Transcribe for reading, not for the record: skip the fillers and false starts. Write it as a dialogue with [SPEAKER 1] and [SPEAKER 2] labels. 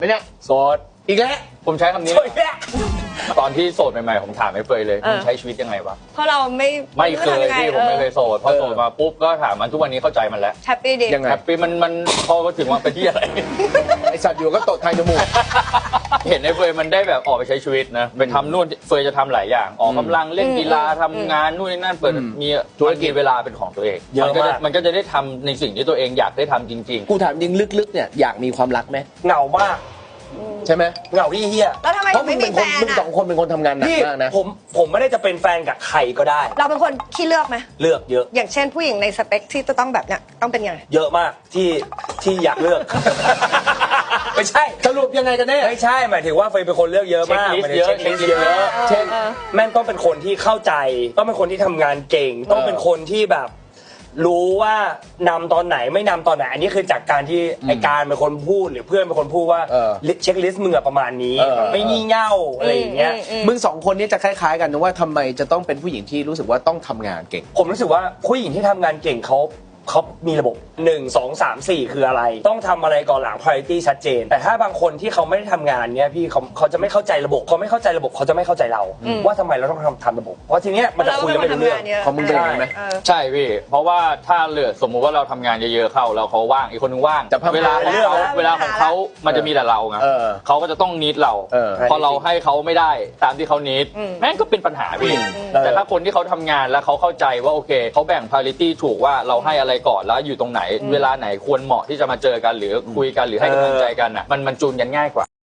[SPEAKER 1] ไม่เนี่ย
[SPEAKER 2] โสด
[SPEAKER 1] อีกแล้ว
[SPEAKER 2] ผมใช้คำนี้
[SPEAKER 1] โสดอีกแล้ว
[SPEAKER 2] ตอนที่โสดใหม่ๆผมถามไอ้เฟยเลยมึงใช้ชีวิตยังไงวะ
[SPEAKER 3] เพราะเราไม่
[SPEAKER 2] เคยพี่ผมไม่เคยโสดพอโสดมาปุ๊บก็ถามมันทุกวันนี้เข้าใจมันแล้ว
[SPEAKER 3] แฮปปี้ดี
[SPEAKER 1] ยังไง
[SPEAKER 2] แฮปปี้มันพอถึงว่าไปที่อะไร
[SPEAKER 1] ไอสัตว์อยู่ก็ตดทางจมูก
[SPEAKER 2] เห็นไอ้เฟยมันได้แบบออกไปใช้ชีวิตนะไปทำนู่นเฟยจะทำหลายอย่างออกกำลังเล่นกีฬาทำงานนู่นนี่นั่นเปิดมีธุรกิจเวลาเป็นของตัวเอง
[SPEAKER 4] เยอะมาก
[SPEAKER 2] มันก็จะได้ทำในสิ่งที่ตัวเองอยากได้ทำจริง
[SPEAKER 1] กูถามยิงลึกๆเนี่ยอยากมีความรักไหม
[SPEAKER 4] เหงามาก
[SPEAKER 1] ใช่ไหม
[SPEAKER 4] เหงาที่เฮีย
[SPEAKER 3] แล้วทำไม
[SPEAKER 1] เพ
[SPEAKER 3] ถึ
[SPEAKER 1] ราะ
[SPEAKER 3] ง
[SPEAKER 1] มึ
[SPEAKER 3] ไม่
[SPEAKER 1] ง
[SPEAKER 3] มี
[SPEAKER 1] เป็น
[SPEAKER 3] แฟ
[SPEAKER 1] คน
[SPEAKER 3] น
[SPEAKER 1] มึงส
[SPEAKER 3] อ่ะ
[SPEAKER 1] องคนเป็นคนทำงานหนัก
[SPEAKER 4] พี่
[SPEAKER 1] มากนะ
[SPEAKER 4] ผมไม่ได้จะเป็นแฟนกับใครก็ได้
[SPEAKER 3] เราเป็นคนขี้เลือกไหม
[SPEAKER 4] เลือกเยอะ
[SPEAKER 3] อย่างเช่นผู้หญิงในสเปคที่จะต้องแบบเนี้ยต้องเป็นยังไง
[SPEAKER 4] เยอะมากที่อยากเลือก ไม่ใช่
[SPEAKER 1] สรุปยังไงกันแน่
[SPEAKER 4] ไม่ใช่หมายถึงว่าเฟยเป็นคนเลือกเยอะมาก
[SPEAKER 2] เช็คลิสต์
[SPEAKER 4] หมายถึง
[SPEAKER 2] เยอะ
[SPEAKER 4] เช็คลิสต์เยอะ
[SPEAKER 1] เช่น
[SPEAKER 4] แม่งต้องเป็นคนที่เข้าใจ ต้องเป็นคนที่ทำงานเก่ง ต้องเป็นคนที่แบบ รู้ว่านำตอนไหนไม่นำตอนไหน อันนี้คือจากการที่ไอการเป็นคนพูดหรือเพื่อนเป็นคนพูดว่า เช็คลิสต์มึงอะประมาณนี้ ไม่งี่เง่าอะไรอย่างเงี้ย
[SPEAKER 1] มึงสองคนนี้จะคล้ายๆกันนะว่าทำไมจะต้องเป็นผู้หญิงที่รู้สึกว่าต้องทำงานเก่ง
[SPEAKER 4] ผมรู้สึกว่าผู้หญิงที่ทำงานเก่งเขามีระบบ 1 2 3 4 คืออะไร ต้องทำอะไรก่อนหลัง priority ชัดเจน แต่ถ้าบางคนที่เขาไม่ได้ทำงานเนี้ยพี่เขาจะไม่เข้าใจระบบเขาไม่เข้าใจระบบเขาจะไม่เข้าใจเรา ว่าทำไมเราต้องทำระบบ เพราะทีเนี้ยมันจะคุยกันไม่รู้เรื่อง
[SPEAKER 1] ของมึงเป็นยังไงไหม
[SPEAKER 2] ๆ ใช่พี่เพราะว่าถ้าเหลือสมมุติว่าเราทำงานเยอะๆเข้าแล้วเขาว่างอีกคนนึงว่าง
[SPEAKER 1] จะพัฒนา
[SPEAKER 2] เวลาของเขาเวลาของเขามันจะมีแต่เราไง
[SPEAKER 1] เออ
[SPEAKER 2] เขาก็จะต้องนิดเรา
[SPEAKER 1] เออ
[SPEAKER 2] พอเราให้เขาไม่ได้ตามที่เขานิดแม่งก็เป็นปัญหาพี่แต่ถ้าคนที่เขาทำงานแล้วเขาเข้าใจว่าโอเคเขาแบ่ง priority ถูกว่าเราให้อะไรก่อนแล้วอยู่ตรงไหน เวลาไหนควรเหมาะที่จะมาเจอกันหรือคุยกันหรือให้กำลังใจกันอ่ะมันจูนกันง่ายกว่า